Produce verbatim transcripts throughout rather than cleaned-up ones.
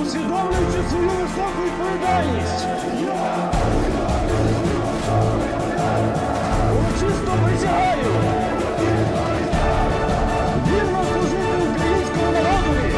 усвідомлюючи свою високу відповідальність, урочисто присягаю вірно служити українському народові.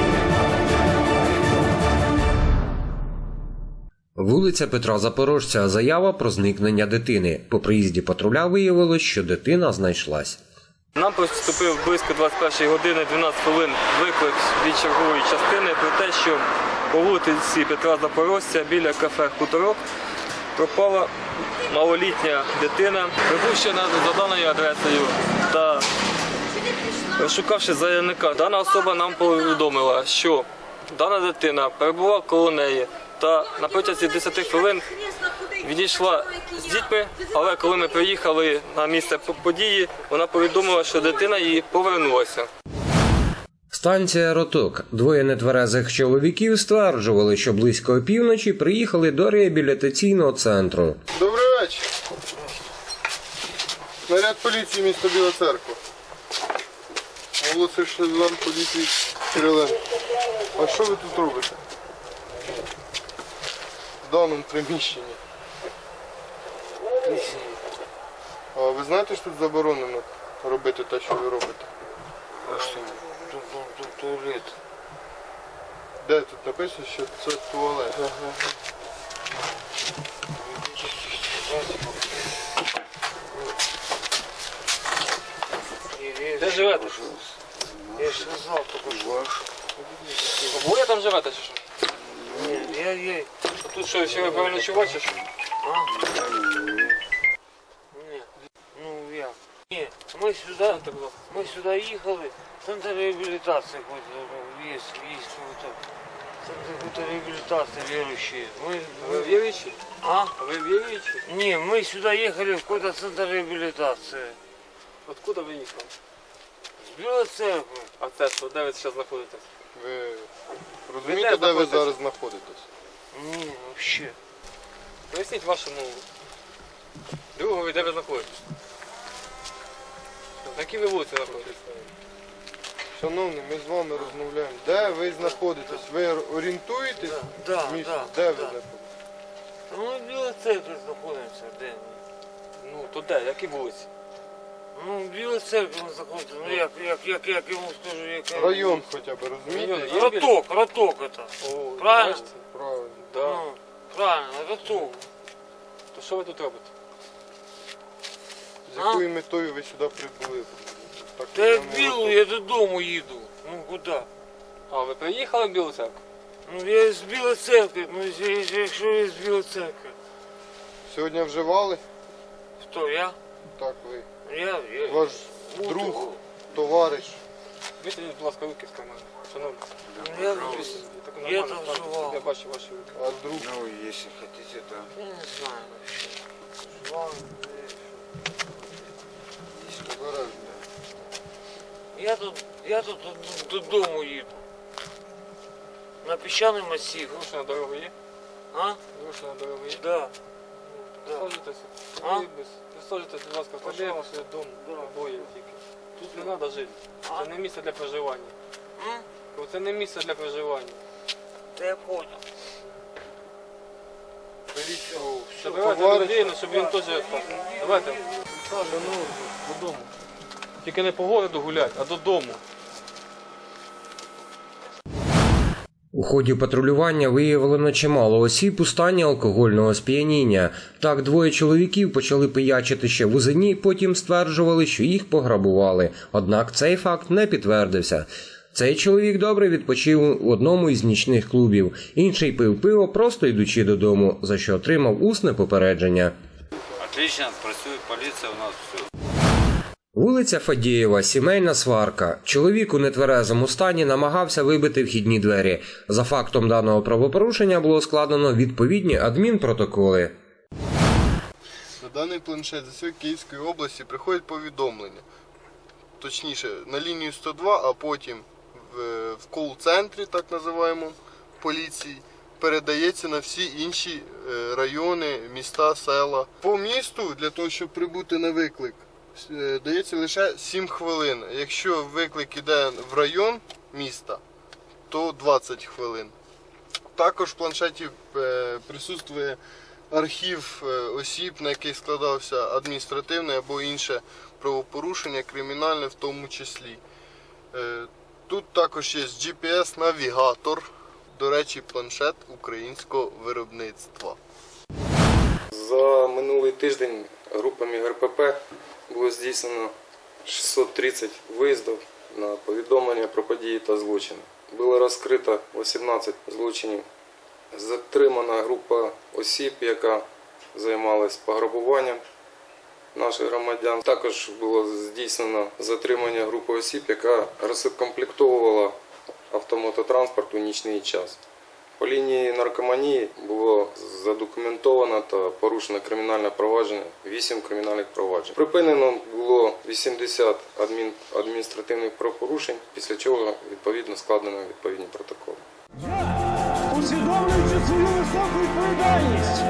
Вулиця Петра Запорожця. Заява про зникнення дитини. По приїзді патруля виявилось, що дитина знайшлась. Нам поступив близько двадцять першої години дванадцять хвилин виклик від чергової частини про те, що по вулиці Петра Запорожця біля кафе «Хуторок» пропала малолітня дитина, припущена за даною адресою. Та розшукавши заявника, дана особа нам повідомила, що дана дитина перебувала коло неї та на протязі десяти хвилин відійшла з дітьми, але коли ми приїхали на місце події, вона повідомила, що дитина її повернулася. Станція «Роток». Двоє нетверезих чоловіків стверджували, що близько опівночі приїхали до реабілітаційного центру. Добрий вечір. Наряд поліції міста Біла Церква. Молодший сержант поліції Кириленко. А що ви тут робите? В даному приміщенні. А ви знаєте, що тут заборонено робити те, що ви робите? А що? Тут, тут, тут туалет. Де тут написано, що це туалет? Ага. Де живете? Я ж сказав, тільки що. Обоє там живете чи що? Ні, я є. А тут що, ще ви переночувати чи що? А? Ні. Ну як? Ні, ми сюди, ми сюди їхали, центр реабілітації є, є тут. Центр реабілітації віруючі. Ми, Ви віруючі? а? Ви віруючі? Ні, ми сюди їхали в якийсь центр реабілітації. Откуда ви їхали? З Білої Церкви. А це що, де ви зараз знаходитесь? Ви розумієте, де ви знаходитесь? зараз знаходитесь? Ні, взагалі. Поясніть вашому другові, де ви знаходитесь. На якій ви вулиці знаходитесь? Шановний, ми з вами розмовляємо. Де ви знаходитесь? Ви орієнтуєтесь? Да, в місті? да, Де да. ви знаходитесь? Та ми в Білій Церкві знаходимося, де ми? Ну, то де? Які вулиці? Ну, в Білій Церкві ми знаходимося. Ну, як, як, як, як йому скажу, як... Район хоча б, розумієте? Район є? Роток, роток это. О, Правильно? бачите? Правильно. Да. Ну, правильно, роток. То що ви тут робите? З якою метою ви сюди прибули? Так, Та я в прямо Білу, отут. я додому їду. Ну, куди? А, ви приїхали в Білу Церкву? Ну, я з Білої Церкви, ну, якщо я з Білої Церкви. Сьогодні вживали? Хто, я? Так, ви. Я, я. Ваш Ну, друг, то- товариш. Витягніть, будь ласка, руки з кармана. Шановні. Ну, я, Так я нормально там ставте. вживав. Я бачу ваші руки. А друг? Ну, если хотите, то... Я не знаю вообще. Жевал, Товариш, я тут, я тут додому їду. На піщаний масив. Гроші на дорогу є? А? Гроші на дорогу є? Да. Да. Присаджуйтеся. А? Присаджуйтесь, будь ласка, пожалуйста, своє дому. Обоє тільки. Тут не треба жити. А? Це не місце для проживання. М? Це не місце для проживання. Та я понял. беріть. Все, Забирайте товариш. людей, щоб він теж... Давайте. Ну, додому. Тільки не по городу гулять, а додому. У ході патрулювання виявлено чимало осіб у стані алкогольного сп'яніння. Так, двоє чоловіків почали пиячити ще в Узині, потім стверджували, що їх пограбували. Однак цей факт не підтвердився. Цей чоловік добре відпочив у одному із нічних клубів. Інший пив пиво, просто йдучи додому, за що отримав усне попередження. Отлично, працює поліція у нас, все. Вулиця Фадієва, сімейна сварка. Чоловік у нетверезому стані намагався вибити вхідні двері. За фактом даного правопорушення було складено відповідні адмінпротоколи. На даний планшет з усієї Київської області приходять повідомлення. Точніше, на лінію сто два, а потім в, в кол-центрі, так називаємо, поліції, передається на всі інші райони, міста, села. По місту, для того, щоб прибути на виклик, дається лише сім хвилин. Якщо виклик іде в район міста, то двадцять хвилин. Також в планшеті е, присутствує архів е, осіб, на яких складався адміністративне або інше правопорушення, кримінальне в тому числі. Е, Тут також є джі пі ес-навігатор, до речі, планшет українського виробництва. За минулий тиждень групами ге ер пе пе було здійснено шістсот тридцять виїздів на повідомлення про події та злочини. Було розкрито вісімнадцять злочинів. Затримана група осіб, яка займалась пограбуванням наших громадян. Також було здійснено затримання групи осіб, яка розкомплектовувала автомототранспорт у нічний час. По лінії наркоманії було задокументовано та порушено кримінальне провадження, вісім кримінальних проваджень. Припинено було вісімдесят адмін... адміністративних правопорушень, після чого відповідно складено відповідні протоколи. Я, усвідомлюючи свою високу відповідальність,